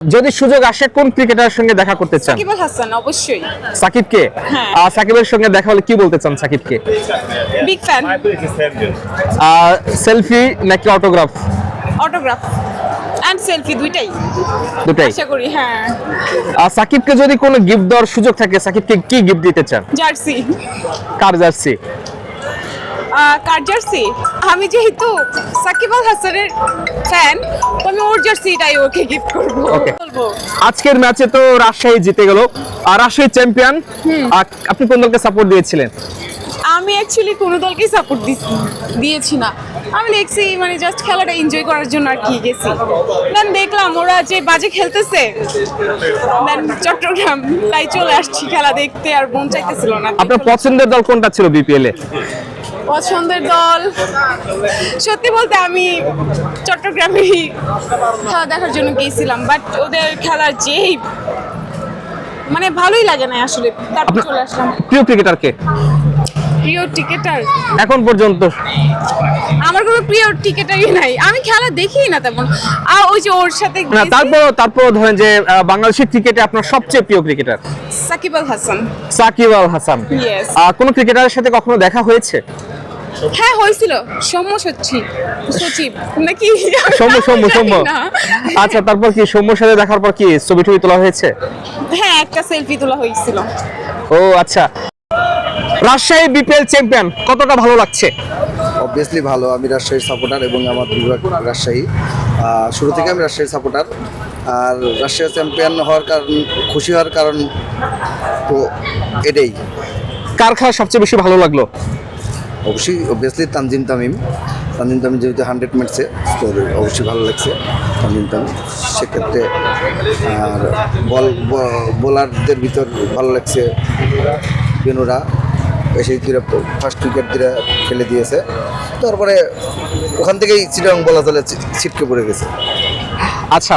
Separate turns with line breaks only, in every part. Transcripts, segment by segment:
যদি সুযোগ আসে কোন ক্রিকেটারের সঙ্গে দেখা করতে চান?
সাকিব আল হাসান অবশ্যই।
সাকিবকে?
হ্যাঁ।
সাকিবের সঙ্গে দেখা হলে কি বলতে চান সাকিবকে?
Big fan.
সেলফি নাকি অটোগ্রাফ?
অটোগ্রাফ এন্ড সেলফি দুইটাই আশা করি। হ্যাঁ।
সাকিবকে যদি কোনো গিফট দেওয়ার সুযোগ থাকে সাকিবকে কি গিফট দিতে চান?
জার্সি।
কার জার্সি?
কার জার্সি? আমি যেহেতু সাকিব আল হাসানের ফ্যান তো আমি ওর জার্সিটাই ওকে গিফট করব।
Okay.
বলবো
আজকের ম্যাচে তো রাজশাহী জিতে গেল, আর রাজশাহী চ্যাম্পিয়ন। আপনি কোন দলকে সাপোর্ট দিয়েছিলেন?
আমি অ্যাকচুয়ালি কোনো দলকেই সাপোর্ট দিয়েছি না। আমি দেখছি মানে জাস্ট খেলাটা এনজয় করার জন্য আর কি গেছি। দেন দেখলাম ওরা যে বাজে খেলতেছে, দেন চট্টগ্রাম তাই চলে আসছি খেলা দেখতে, আর মন চাইতেছিল না।
আপনার পছন্দের দল কোনটা ছিল বিপিএল এ?
পছন্দের দল সত্যি বলতে আমি চট্টগ্রামেরই খেলা দেখার জন্য গিয়েছিলাম, বাট ওদের খেলার যেই মানে ভালোই লাগে না আসলে, তারপর চলে আসলাম।
প্রিয় ক্রিকেটারকে
প্রিয় ক্রিকেটার
এখন পর্যন্ত?
আমার কোনো প্রিয় ক্রিকেটারই নাই, আমি খেলা দেখি না তেমন। ওই যে ওর সাথে
না,
গেছি,
তারপর ধরেন যে বাংলাদেশের ক্রিকেটে আপনার সবচেয়ে প্রিয় ক্রিকেটার?
সাকিব আল হাসান।
সাকিব আল হাসান।
Yes.
কোন ক্রিকেটারের সাথে কখনো দেখা হয়েছে?
হ্যাঁ হয়েছিল, সৌম্য সচিব নাকি
সৌম্য।
না।
আচ্ছা, তারপর কি সৌম্যর সাথে দেখার পর কি ছবি টবি তোলা হয়েছে?
হ্যাঁ একটা সেলফি তোলা হয়েছিল।
ও আচ্ছা। রাজশাহী বিপিএল চ্যাম্পিয়ন, কতটা ভালো লাগছে?
অবভিয়াসলি ভালো। আমি রাজশাহীর সাপোর্টার এবং আমার বিভাগ রাজশাহী। শুরু থেকে আমি রাজশাহীর সাপোর্টার। আর রাজশাহী চ্যাম্পিয়ন হওয়ার কারণ, খুশি হওয়ার কারণ তো এটাই।
কার খেলা সবচেয়ে বেশি ভালো লাগলো?
অবভিয়াসলি তানজিম তামিম যেহেতু 100 ম্যাচে, তো অবশ্যই ভালো লাগছে তানজিম তামিম সেক্ষেত্রে। আর বোলারদের ভিতর ভালো লাগছে বেনুরা, এসে ফার্স্ট উইকেট দিয়ে ফেলে দিয়েছে। তারপরে ওখান থেকেই চিটাগাং বলা চলে ছিটকে পড়ে গেছে।
আচ্ছা,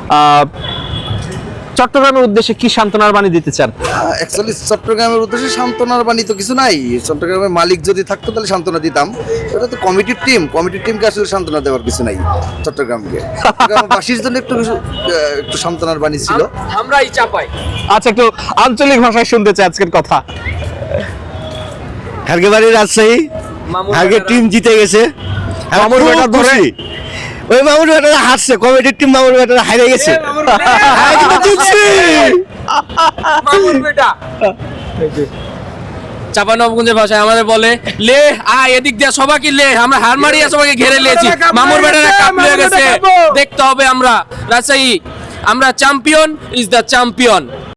চট্টগ্রামের উদ্দেশ্যে কি সান্ত্বনার বাণী দিতে চান?
অ্যাকচুয়ালি চট্টগ্রামের উদ্দেশ্যে সান্ত্বনার বাণী তো কিছু নাই। চট্টগ্রামের মালিক যদি থাকতো তাহলে সান্ত্বনা দিতাম। এটা তো কমিটির টিমকে আসলে সান্ত্বনা দেওয়ার কিছু নাই। চট্টগ্রামকে চট্টগ্রামবাসীর জন্য একটু সান্ত্বনার বাণী ছিল।
আমরাই চাপাই। আচ্ছা, একটু আঞ্চলিক ভাষায় শুনতে চাই আজকের কথা।
হারগে বাড়ি রাজশাহী, হারগে টিম জিতে গেছে।
মামুর ব্যাটার ধরে
ওই মামুর ব্যাটারা হারছে, কমিটির টিম মামুর ব্যাটারা হারে গেছে।
চাঁপানবাবগঞ্জের ভাষায় আমাদের বলে লে এদিক দিয়ে সবাইকে লে, আমরা হার মারিয়া সবাইকে ঘেরে লিয়েছি। মামুর ব্যাটারা কাপ লিয়ে গেছে, দেখতে হবে আমরা রাজশাহী, আমরা চ্যাম্পিয়ন ইজ দ্য চ্যাম্পিয়ন।